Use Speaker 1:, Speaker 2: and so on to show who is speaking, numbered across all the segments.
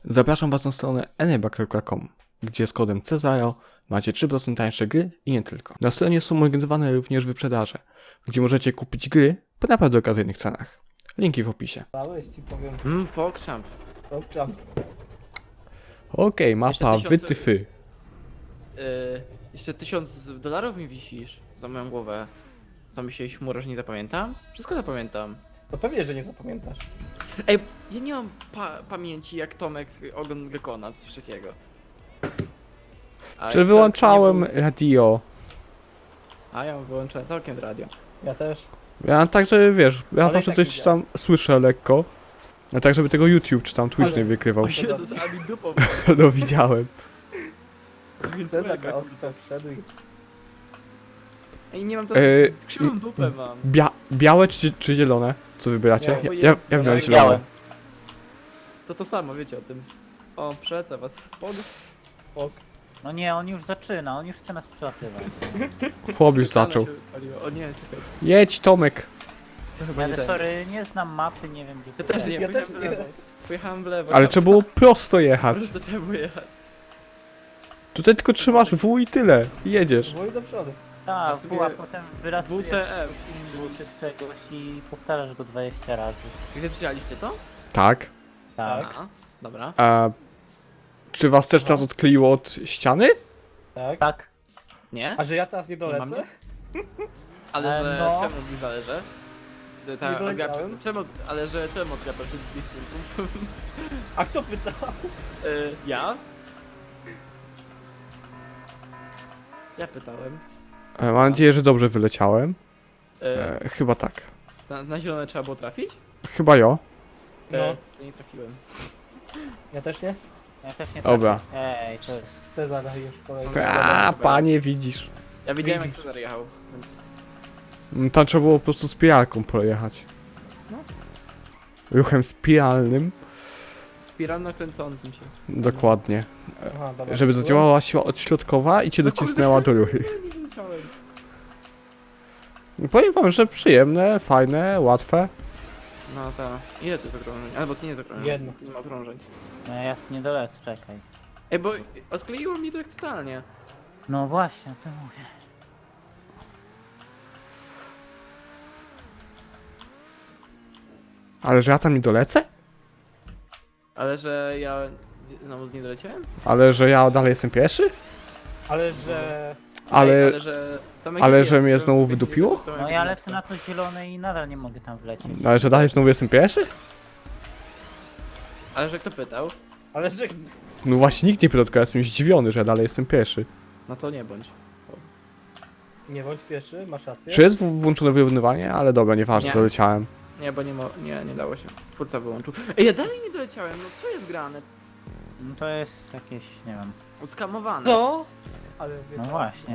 Speaker 1: Zapraszam Was na stronę eneba.com, gdzie z kodem Cezaro macie 3% tańsze gry i nie tylko. Na stronie są organizowane również wyprzedaże, gdzie możecie kupić gry po naprawdę okazyjnych cenach. Linki w opisie.
Speaker 2: Dałeś ci powiem.
Speaker 3: Pokrzam.
Speaker 2: Obczam.
Speaker 1: Okej, mapa
Speaker 3: Jeszcze 1000
Speaker 1: wytyfy.
Speaker 3: Jeszcze $1000 mi wisisz za moją głowę. Zamyśliłeś chmurę, że nie zapamiętam? Wszystko zapamiętam.
Speaker 2: To pewnie, że nie zapamiętasz.
Speaker 3: Ej, ja nie mam pamięci jak Tomek ogon Gekona, coś takiego.
Speaker 1: Czy wyłączałem radio?
Speaker 3: A ja wyłączyłem całkiem radio.
Speaker 2: Ja też.
Speaker 1: Ja tak, że wiesz, ja
Speaker 2: Ale
Speaker 1: zawsze
Speaker 2: i tak
Speaker 1: coś tam słyszę lekko. A tak, żeby tego YouTube czy tam Twitch
Speaker 2: Ale-
Speaker 1: nie wykrywał.
Speaker 3: O Jezus, a mi dupą.
Speaker 1: No widziałem.
Speaker 2: Ten za ostro wszedł i...
Speaker 3: Ej, nie mam to. Krzywą dupę mam.
Speaker 1: Białe czy zielone? Co wybieracie?
Speaker 2: Białe.
Speaker 1: Ja wybrałem zielone.
Speaker 2: Białe.
Speaker 3: To samo, wiecie o tym. O, przelecę was.
Speaker 2: Ok.
Speaker 4: No nie, on już zaczyna, on już chce nas przelatywać.
Speaker 1: Chłop już zaczął.
Speaker 3: O nie, czekaj.
Speaker 1: Jedź Tomek.
Speaker 3: To chyba
Speaker 4: Ja
Speaker 3: nie ten.
Speaker 4: sorry, nie znam mapy, nie wiem gdzie
Speaker 3: Ja
Speaker 4: to
Speaker 3: też nie,
Speaker 2: Ja
Speaker 3: pojechałem
Speaker 2: też
Speaker 3: w
Speaker 2: nie.
Speaker 3: lewo. Pojechałem w lewo.
Speaker 1: Ale trzeba było prosto jechać.
Speaker 3: Ale to trzeba było jechać.
Speaker 1: Tutaj tylko trzymasz W i tyle. I jedziesz.
Speaker 2: Wuj do przodu.
Speaker 4: Tak,
Speaker 3: w sumie
Speaker 4: a potem wylatujesz
Speaker 3: WTF.
Speaker 4: czy z czegoś i powtarzasz go 20 razy.
Speaker 3: Gdy przyjechaliście to?
Speaker 1: Tak.
Speaker 4: Tak.
Speaker 3: A, dobra.
Speaker 1: A czy was też teraz odkleiło od ściany?
Speaker 2: Tak.
Speaker 4: Tak.
Speaker 3: Nie?
Speaker 2: A że ja teraz nie
Speaker 3: Mam
Speaker 2: dolecę?
Speaker 3: je? Ale że
Speaker 4: no.
Speaker 3: czemu mi zależy?
Speaker 2: Nie doleciałem.
Speaker 3: Czemu odgapiasz wszystkich twórców?
Speaker 2: A kto pytał?
Speaker 3: Ja? Ja pytałem.
Speaker 1: Mam nadzieję, że dobrze wyleciałem.
Speaker 3: E,
Speaker 1: Chyba tak.
Speaker 3: na zielone trzeba było trafić?
Speaker 1: Chyba jo.
Speaker 2: No.
Speaker 3: To nie trafiłem.
Speaker 2: Ja też nie?
Speaker 4: Ja też nie
Speaker 1: Dobra.
Speaker 4: trafię. Ej, to jest...
Speaker 2: Cezar już kolejny.
Speaker 1: A, panie widzisz.
Speaker 3: Ja widziałem jak Cezar jechał, więc...
Speaker 1: Tam trzeba było po prostu spiralką pojechać.
Speaker 3: No.
Speaker 1: Ruchem spiralnym.
Speaker 3: Spiralno kręcącym się.
Speaker 1: Dokładnie.
Speaker 2: Aha, dobra.
Speaker 1: Żeby zadziałała siła odśrodkowa i cię docisnęła do ruchy.
Speaker 3: Nie wiedziałem.
Speaker 1: Powiem wam, że przyjemne, fajne, łatwe.
Speaker 3: No ta. Ile to jest okrążeń? Albo to nie jest okrążeń.
Speaker 2: Jedno.
Speaker 3: To nie ma okrążeń.
Speaker 4: No ja nie dolecę, czekaj.
Speaker 3: Ej, bo odkleiło mi to jak totalnie.
Speaker 4: No właśnie, to mówię.
Speaker 1: Ale że ja tam nie dolecę?
Speaker 3: Ale że ja znowu nie doleciałem?
Speaker 1: Ale że ja dalej jestem pierwszy?
Speaker 2: Ale że...
Speaker 1: Ale...
Speaker 3: Ej, ale że... Tomek
Speaker 1: ale
Speaker 3: jest,
Speaker 1: że mnie
Speaker 3: to
Speaker 1: znowu
Speaker 3: sobie
Speaker 1: wydupiło?
Speaker 3: to
Speaker 4: No ja lecę na to zielone i nadal nie mogę tam wlecieć.
Speaker 1: Ale że dalej znowu jestem pierwszy?
Speaker 3: Ale że kto pytał?
Speaker 2: Ale że...
Speaker 1: No właśnie nikt nie pytał, tylko ja jestem zdziwiony, że ja dalej jestem pierwszy.
Speaker 3: No to nie bądź.
Speaker 2: Nie bądź pierwszy, masz rację.
Speaker 1: Czy jest włączone wyrównywanie? Ale dobra, nieważne,
Speaker 3: Nie.
Speaker 1: doleciałem.
Speaker 3: Nie, bo nie dało się. Twórca wyłączył. Ej, ja dalej nie doleciałem, no co jest grane?
Speaker 4: No to jest jakieś, nie wiem.
Speaker 3: Skamowane.
Speaker 2: Co? Ale...
Speaker 4: No właśnie.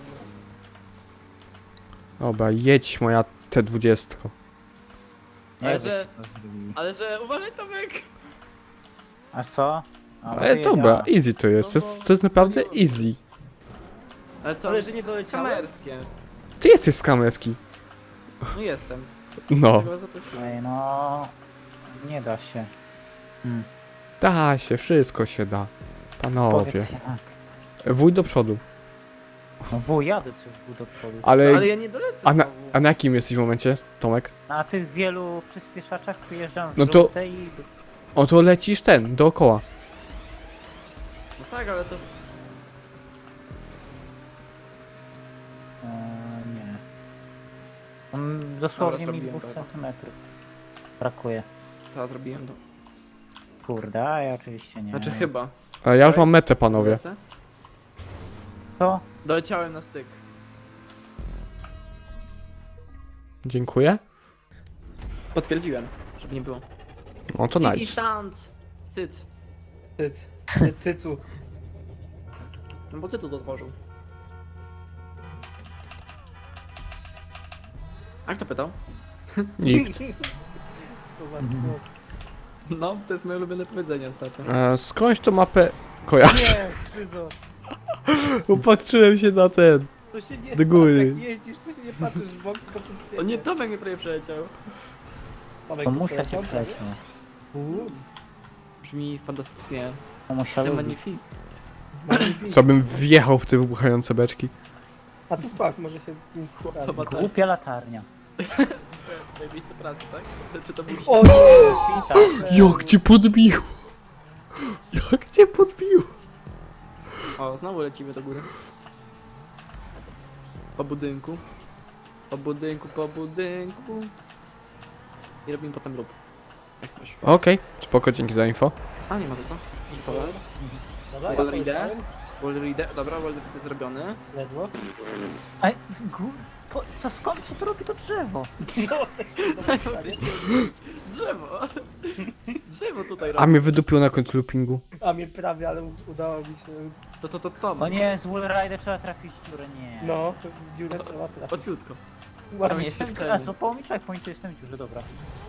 Speaker 1: Dobra, jedź moja T20.
Speaker 3: Ale
Speaker 4: Jak
Speaker 3: że-
Speaker 4: byście to zrobili?
Speaker 3: Ale że uważaj Tomek!
Speaker 4: A co? A,
Speaker 1: Ale dobra, easy to jest, to jest naprawdę easy.
Speaker 3: Ale to
Speaker 2: Ale że nie doleciałem?
Speaker 3: kamerskie.
Speaker 1: Ty jesteś skamerski.
Speaker 3: No jestem.
Speaker 1: No,
Speaker 3: Tego zaprosiłem.
Speaker 4: Ej, no... Nie da się.
Speaker 1: da się, wszystko się da. Panowie.
Speaker 4: Powiedz jak.
Speaker 1: Wuj do przodu.
Speaker 4: No wuj, jadę coś do przodu.
Speaker 3: Ale ja nie dolecę
Speaker 1: A
Speaker 3: znowu.
Speaker 1: a na jakim jesteś w momencie, Tomek?
Speaker 4: Na tych wielu przyspieszaczach wyjeżdżam w
Speaker 1: No to-
Speaker 4: żółte i...
Speaker 1: O, to lecisz dookoła.
Speaker 3: No tak, ale to...
Speaker 4: Nie. Dosłownie
Speaker 3: Dobra,
Speaker 4: mi
Speaker 3: zrobiłem
Speaker 4: 2
Speaker 3: to.
Speaker 4: centymetrów. Brakuje.
Speaker 3: To zrobiłem to.
Speaker 4: Kurde, a ja oczywiście nie.
Speaker 3: Znaczy chyba.
Speaker 1: A ja już mam metę, panowie.
Speaker 3: Dolecę?
Speaker 4: To?
Speaker 3: Doleciałem na styk.
Speaker 1: Dziękuję.
Speaker 3: Potwierdziłem, żeby nie było.
Speaker 1: No to
Speaker 3: City
Speaker 1: nice.
Speaker 3: stand! Cyc.
Speaker 2: Cyc. Cycu.
Speaker 3: No bo ty to otworzył. A kto pytał?
Speaker 1: Nikt.
Speaker 2: Co za...
Speaker 3: No, to jest moje ulubione powiedzenie ostatnio.
Speaker 1: Skądś tą mapę kojarzę.
Speaker 2: Nie, Cyzo.
Speaker 1: Upatrzyłem się na ten.
Speaker 2: To się nie...
Speaker 1: Do góry.
Speaker 2: Jak jeździsz, to się nie patrzysz w bok, tylko przed siebie.
Speaker 3: O nie, Tomek mnie prawie przeleciał.
Speaker 2: Tomek,
Speaker 4: To
Speaker 2: to
Speaker 4: muszę cię
Speaker 2: przeleciał?
Speaker 4: przejść.
Speaker 2: Uuu.
Speaker 3: Brzmi fantastycznie.
Speaker 4: Mamusia
Speaker 3: Jestem
Speaker 4: lubi.
Speaker 3: magnifik.
Speaker 1: Co bym wjechał w te wybuchające beczki?
Speaker 2: A to sprawdź, może się nic
Speaker 3: Co
Speaker 2: poprawi.
Speaker 3: ma tak?
Speaker 4: Głupia latarnia.
Speaker 3: Tutaj miejsce pracy, tak? Czy to był
Speaker 2: O nie!
Speaker 4: Pita.
Speaker 1: Jak cię podbił! Jak cię podbił!
Speaker 3: O, znowu lecimy do góry. Po budynku. Po budynku, po budynku. I robimy potem lub. Jak coś.
Speaker 1: Okej, spoko, dzięki za info.
Speaker 3: A, nie ma za co. Gotowe.
Speaker 2: Dobra,
Speaker 3: Wall
Speaker 2: ja
Speaker 3: reader.
Speaker 2: poleciałem.
Speaker 3: Wall reader. Dobra, wall reader jest zrobiony.
Speaker 2: Ledwo.
Speaker 4: Ej, co skąd co to robi to drzewo?
Speaker 3: Drzewo! Drzewo tutaj
Speaker 1: A
Speaker 3: robi.
Speaker 1: mnie wydupił na końcu loopingu.
Speaker 2: A mnie prawie, ale udało mi się.
Speaker 3: To.
Speaker 4: O nie, z Wallrider trzeba trafić w dziurę, nie.
Speaker 2: No, w dziurę trzeba trafić.
Speaker 3: Łatwiutko.
Speaker 4: A
Speaker 3: nie,
Speaker 2: Ładnie.
Speaker 3: jestem
Speaker 4: jestem, a złapało mi checkpoint, to jestem w dziurze, dobra.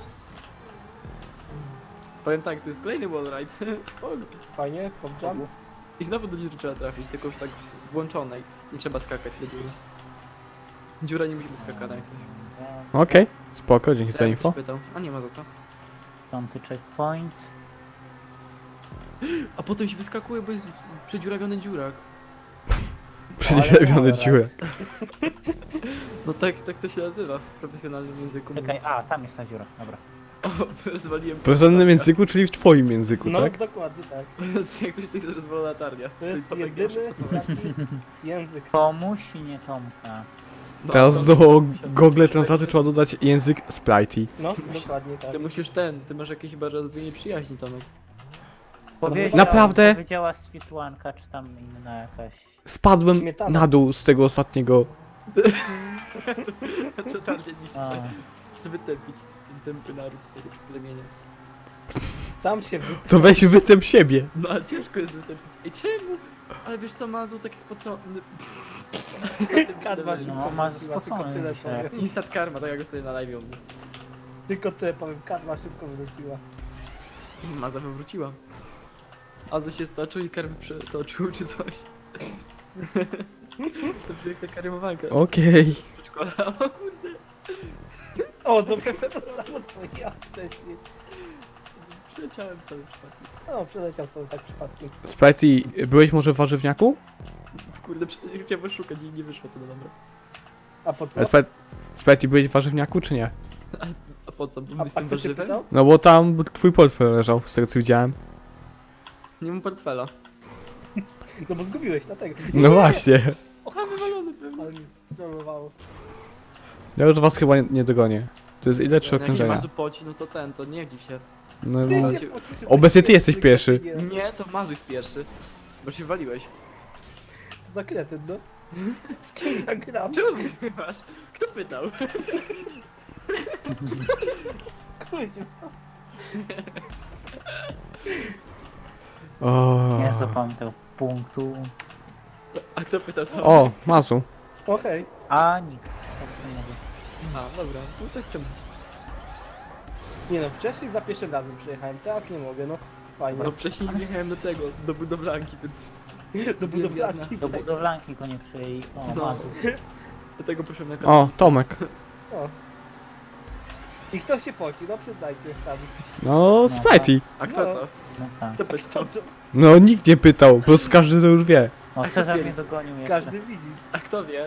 Speaker 3: Powiem tak, to jest kolejny wallride.
Speaker 2: Fajnie, popjump.
Speaker 3: I znowu do dziury trzeba trafić, tylko już tak włączonej. Nie trzeba skakać do dziury. Dziura nie musimy skakać, jak coś.
Speaker 1: Okej, spoko, dzięki za
Speaker 3: Ja
Speaker 1: info.
Speaker 3: ktoś pytał. A nie ma za co.
Speaker 4: Piąty checkpoint.
Speaker 3: A potem się wyskakuje, bo jest przedziurawiony dziurak.
Speaker 1: Przedziurawiony dziurek.
Speaker 3: No tak to się nazywa w profesjonalnym języku.
Speaker 4: Czekaj, a tam jest ta dziura, dobra.
Speaker 3: O, zwaliłem.
Speaker 1: W rozumnym języku, czyli w twoim języku,
Speaker 2: No,
Speaker 1: tak?
Speaker 2: dokładnie tak.
Speaker 3: Jak coś to jest rozwalona latarnia.
Speaker 2: To jest
Speaker 3: Tomek
Speaker 2: jedyny
Speaker 3: pierwszy pocałunek.
Speaker 2: taki język.
Speaker 4: Tomuś i nie Tomka.
Speaker 3: No,
Speaker 1: Teraz
Speaker 3: to-
Speaker 1: do Google Translate trzeba dodać język Spritey.
Speaker 2: No, dokładnie tak.
Speaker 3: Ty musisz ty masz jakieś chyba rozdwoje przyjaźni, Tomek.
Speaker 1: Naprawdę?
Speaker 4: Powiedziała Swietłanka, czy tam inna jakaś.
Speaker 1: Spadłem
Speaker 2: Śmietana.
Speaker 1: na dół z tego ostatniego.
Speaker 3: Totalnie niż
Speaker 4: A,
Speaker 3: chcę wytępić ten tępy naród z tego plemienia.
Speaker 2: Sam się
Speaker 1: To weź wytęp siebie.
Speaker 3: No ale ciężko jest wytępić. Ej, czemu? Ale wiesz co, Mazu taki spocony.
Speaker 2: Kadwa się
Speaker 4: No, ma
Speaker 2: powróciła, tylko
Speaker 4: spocony
Speaker 2: tyle
Speaker 4: dzisiaj.
Speaker 2: powiem.
Speaker 3: Instant karma, tak jak sobie na live mówię.
Speaker 2: Tylko tyle powiem, kadwa szybko wróciła.
Speaker 3: Maza wywróciła. Azu się stoczył i karmy przetoczył czy coś. To piękna karymowanka.
Speaker 1: Okej.
Speaker 3: Przedszkola. O kurde.
Speaker 2: O, zrobiłem to samo co ja wcześniej.
Speaker 3: Przeleciałem sobie przypadkiem.
Speaker 2: No, przeleciał sobie tak przypadkiem.
Speaker 1: Spritey, byłeś może w warzywniaku?
Speaker 3: Kurde, chciałem szukać i nie wyszło to no dobra.
Speaker 2: A po co?
Speaker 1: Spritey, byłeś w warzywniaku czy nie?
Speaker 3: A po co? Bo
Speaker 2: A
Speaker 3: jestem
Speaker 2: kto się
Speaker 3: warzywem?
Speaker 2: pytał?
Speaker 1: No bo tam twój portfel leżał, z tego co widziałem.
Speaker 3: Nie mam portfela.
Speaker 2: No bo zgubiłeś, dlatego.
Speaker 1: No właśnie.
Speaker 3: O, wywalony pewnie.
Speaker 2: Ale mi strollowało.
Speaker 1: Ja już was chyba nie dogonię. To jest ile? 3
Speaker 3: Jak się
Speaker 1: okrążenia.
Speaker 3: Mazu poci, no to to nie dziw się.
Speaker 1: No,
Speaker 2: Ty
Speaker 1: no.
Speaker 2: się poczuł, że
Speaker 1: Obecnie ty
Speaker 2: tak
Speaker 1: jesteś
Speaker 2: jest,
Speaker 1: pierwszy.
Speaker 2: tylko
Speaker 3: Nie, to Mazu jest pierwszy. Bo się waliłeś.
Speaker 2: Co za kretyn, no? Z kim ja gram?
Speaker 3: Czemu wygrywasz? Kto pytał?
Speaker 2: Kuźwa.
Speaker 1: O.
Speaker 4: nie zapamiętał punktu.
Speaker 3: A kto pytał to?
Speaker 1: O, Masu.
Speaker 2: Okej.
Speaker 4: A nikt. Tak samego.
Speaker 3: A, dobra, no tak chcę.
Speaker 2: Nie no, wcześniej za pierwszym razem przyjechałem, teraz nie mogę, no. Fajnie.
Speaker 3: No wcześniej wjechałem do tego, do budowlanki, więc
Speaker 2: Do budowlanki.
Speaker 4: Do budowlanki go nie przyjęli. O,
Speaker 3: No.
Speaker 4: Mazu.
Speaker 3: dlatego poszedłem na
Speaker 1: O,
Speaker 3: katolicę.
Speaker 1: Tomek.
Speaker 2: O. I kto się poci? No przyznajcie sami.
Speaker 1: No, Spritey.
Speaker 3: A kto
Speaker 2: No.
Speaker 3: to?
Speaker 4: No tak.
Speaker 3: Kto pytał?
Speaker 1: No, nikt nie pytał, po prostu każdy to już wie.
Speaker 4: O, Cezar mnie dogonił jeszcze.
Speaker 2: Każdy widzi.
Speaker 3: A kto wie?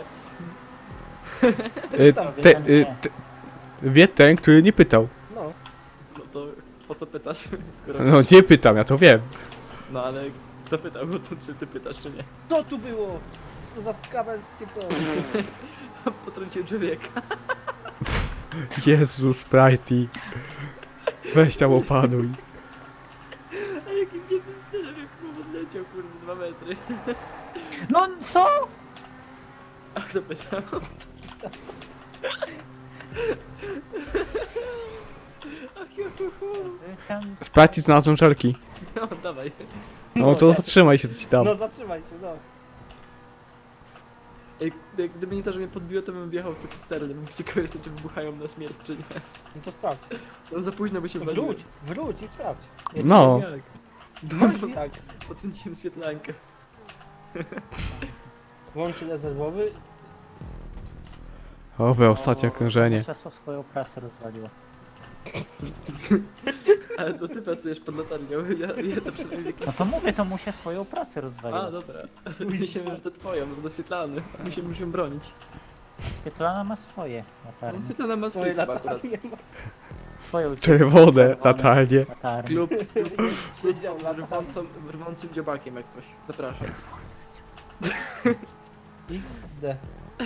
Speaker 1: Y,
Speaker 2: tam
Speaker 1: te, wie ten, który nie pytał.
Speaker 2: No.
Speaker 3: No to po co pytasz? Skoro
Speaker 1: No, nie pytam, ja to wiem.
Speaker 3: No ale kto pytał, no to czy ty pytasz, czy nie?
Speaker 2: Co tu było? Co za skawelskie co?
Speaker 3: Potrąciłem człowieka.
Speaker 1: Jezu, Spritey. Weź tam opanuj.
Speaker 3: A jakim biednym stylem, jak chłop odleciał, kurde, 2 metry.
Speaker 4: No co?
Speaker 3: A kto pytał? Ach,
Speaker 4: Chciałem...
Speaker 1: Spritey znalazłem żelki.
Speaker 3: No, dawaj.
Speaker 1: No to zatrzymaj się, to ci dam.
Speaker 2: No zatrzymaj się, no.
Speaker 3: Ej, gdyby nie to, że mnie podbiło, to bym wjechał w te cysterny, bym ciekaw jeszcze, czy wybuchają na śmierć, czy nie.
Speaker 2: No to sprawdź.
Speaker 3: No za późno by się waliły.
Speaker 2: Wróć i sprawdź.
Speaker 1: No.
Speaker 3: Jak?
Speaker 2: No tak.
Speaker 3: Potrąciłem świetlankę.
Speaker 2: Włącz rezerwowy.
Speaker 1: Oby, ostatnie okrążenie.
Speaker 4: Muszę swoją prasę rozwaliła.
Speaker 3: Ale to ty pracujesz pod latarnią, ja to przed wiekiem.
Speaker 4: No to mówię, to mu się swoją pracę
Speaker 3: A,
Speaker 4: rozwaliło.
Speaker 3: dobra. Myślałem, że to twoją, bo doświetlany. Musimy się bronić.
Speaker 4: Świetlana ma swoje latarnie.
Speaker 3: Doświetlana ma swój
Speaker 2: Swoje
Speaker 3: chyba akurat.
Speaker 2: latarnie.
Speaker 4: Swoją
Speaker 1: Czerwone latarnie.
Speaker 4: latarnię.
Speaker 3: Klub
Speaker 2: Siedział na
Speaker 3: rwącym dziobakiem jak coś. Zapraszam.
Speaker 2: XD.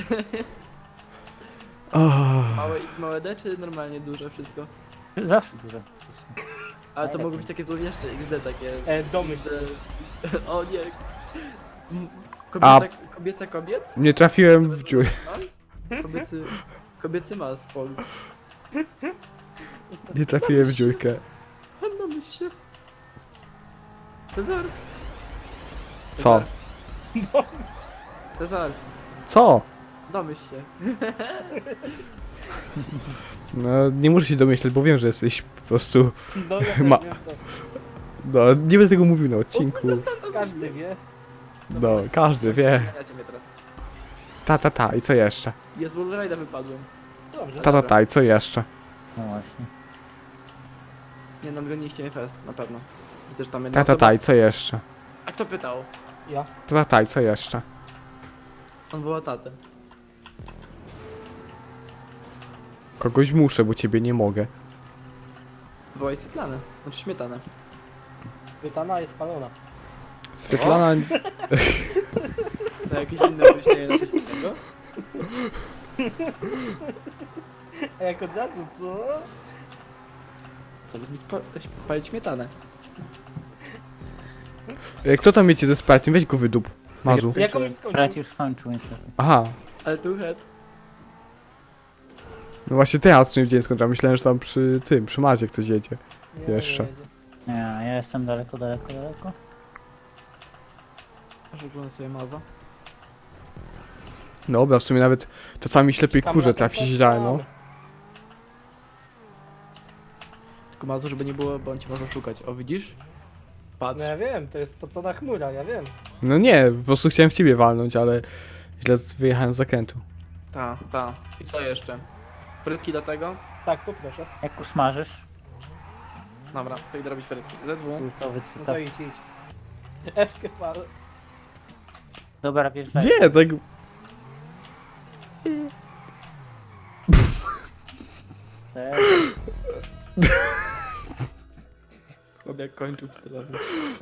Speaker 3: Małe X, małe D, czy normalnie duże wszystko?
Speaker 4: Zawsze duże.
Speaker 3: Ale to
Speaker 4: Najlepiej.
Speaker 3: mogą być takie złowieszcze XD takie.
Speaker 2: Domyśl.
Speaker 3: XD. O nie.
Speaker 1: A-
Speaker 3: Kobieca kobiet?
Speaker 1: Nie trafiłem w dziurę.
Speaker 3: Mas? Kobiecy mas, Pol.
Speaker 1: Nie trafiłem w dziurkę.
Speaker 3: Hanna, myśl się. Cezar.
Speaker 1: Co?
Speaker 3: Cezar,
Speaker 1: Co?
Speaker 3: domyśl się.
Speaker 1: No, nie muszę się domyśleć, bo wiem, że jesteś po prostu...
Speaker 2: No ja też
Speaker 1: Ma-
Speaker 2: wiem to.
Speaker 1: No, nie będę tego mówił na odcinku.
Speaker 2: Każdy wie.
Speaker 1: No, każdy wie.
Speaker 3: Ja mnie teraz.
Speaker 1: Ta, i co jeszcze?
Speaker 3: Ja z Wallride'a wypadłem.
Speaker 2: Dobrze.
Speaker 1: Ta, i co jeszcze?
Speaker 4: No właśnie.
Speaker 3: Nie, no goniliście mnie fest, na pewno. I też tam jedna
Speaker 1: Ta, i co jeszcze?
Speaker 3: A kto pytał?
Speaker 2: Ja.
Speaker 1: Ta, i co jeszcze?
Speaker 3: On woła tatę.
Speaker 1: Kogoś muszę, bo ciebie nie mogę.
Speaker 3: Wołaj Swietlany. Znaczy śmietanę.
Speaker 2: Pytana jest palona.
Speaker 1: Svetlana...
Speaker 3: Na jakieś inne myślenie na coś innego?
Speaker 2: A jak od razu, co?
Speaker 3: Co, mi spalić śmietanę?
Speaker 1: Kto tam wiecie ze Sprite'em? Weź go wydup. Mazu.
Speaker 2: Jak on już skończył?
Speaker 4: Brat już skończył niestety.
Speaker 1: Aha.
Speaker 3: Ale tu head.
Speaker 1: No właśnie teraz czym dzień skończyłem. Myślałem, że tam przy Mazie ktoś jedzie.
Speaker 2: Nie,
Speaker 1: Jeszcze.
Speaker 2: nie,
Speaker 4: Nie, ja jestem daleko.
Speaker 3: Aż oglądam sobie maza.
Speaker 1: Dobra, w sumie nawet czasami ślepej
Speaker 2: Tam
Speaker 1: kurze
Speaker 2: na to
Speaker 1: trafi
Speaker 2: coś
Speaker 1: źle, no.
Speaker 2: mamy.
Speaker 3: Tylko mazu, żeby nie było, bo on ci może szukać. O, widzisz? Patrz.
Speaker 2: No ja wiem, to jest pocona chmura, ja wiem.
Speaker 1: No nie, po prostu chciałem w ciebie walnąć, ale źle wyjechałem z zakrętu.
Speaker 3: Ta. I co jeszcze? Frytki do tego?
Speaker 2: Tak, poproszę.
Speaker 4: Jak usmażysz,
Speaker 3: Dobra, to idę robić frytki. ZW.
Speaker 4: kultowy
Speaker 2: No
Speaker 4: cytat.
Speaker 2: to idź. F-kę pal.
Speaker 4: Dobra, wjeżdżaj.
Speaker 1: Nie, tak...
Speaker 4: Też.
Speaker 3: Chłop jak kończył w stylowy.